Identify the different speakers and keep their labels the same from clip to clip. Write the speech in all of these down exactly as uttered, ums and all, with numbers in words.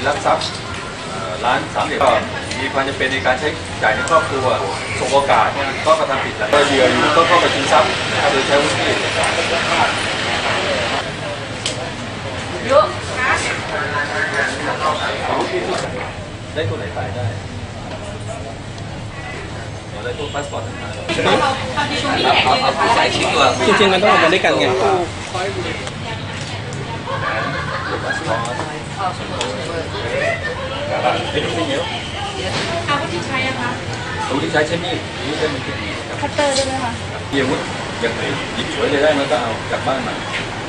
Speaker 1: ลักทรัพย์ร้านสามเหลี่ยมก็มีความจำเป็นในการใช้จ่ายในครอบครัวสบโอกาสก็กระทำผิดแล้วก็เหยื่ออยู่ก็เข้าไปชิงทรัพย์โดยใช้วุฒิเยอะได้ตัวไหนตายได้ได้ตัวพาสปอร์ตต่างๆ
Speaker 2: จริงๆมันต้องออกมาด้วยกันไง
Speaker 3: อาวุธที่ใช้อะคะ
Speaker 1: อาวุธที่ใช้ใช้มีดนี่ใช้มีด
Speaker 3: คัตเตอร์ได้ไหมคะ
Speaker 1: มีอาวุธอย่างไรหยิบฉวยเลยได้มันก็เอาจากบ้านมา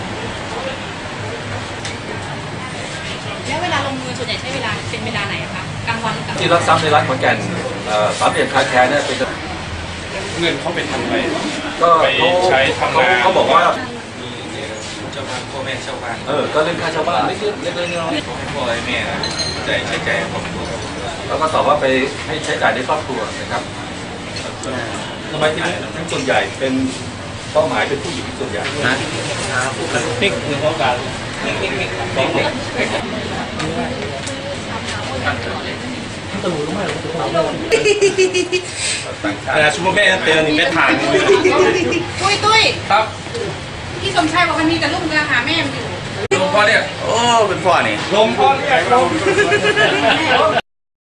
Speaker 3: แล้วเวลาลงมือส่วนใหญ่ใช้เวลาเป็นเวลาไหนคะกลางวันหรือกลาง
Speaker 1: ที่รักทรัพย์ในร้านขอนแก่นสามเหลี่ยมคาแคร์เนี่ยเป็น
Speaker 4: เงินเขาเป็นทำอะไร
Speaker 1: ก็
Speaker 4: ใช้ทำงาน
Speaker 1: เขาบอกว่า
Speaker 4: เจ้าบ้านพ่อแม่เช่าบ้าน
Speaker 1: เออก็เรื่องค่าเช่าบ้านเล็กๆเล็กๆน้อย
Speaker 4: ๆพ่อแม่จ่ายใช้จ่ายครอบครัว
Speaker 1: แล้วก็ตอบว่าไปให้ใช้จ่ายในครอบครัวนะครับทำไมที่ทั้งส่วนใหญ่เป็นเป้าหมายเป็นผู้หญิงส่วนใหญ่นะ
Speaker 2: นี่คือเขาการ
Speaker 4: แต่ชูแม่เตือนนี่แม่ทาง
Speaker 3: ตุ้ยตุ้ย
Speaker 4: ครับ
Speaker 3: พี่สมชายบอกมันมีแต่ลูกเรือหาแม่อยู่
Speaker 4: ลมพ่อเนี่ย
Speaker 2: โอ้เป็นพ่อนี่
Speaker 4: ลมพ่อเนี่ยลม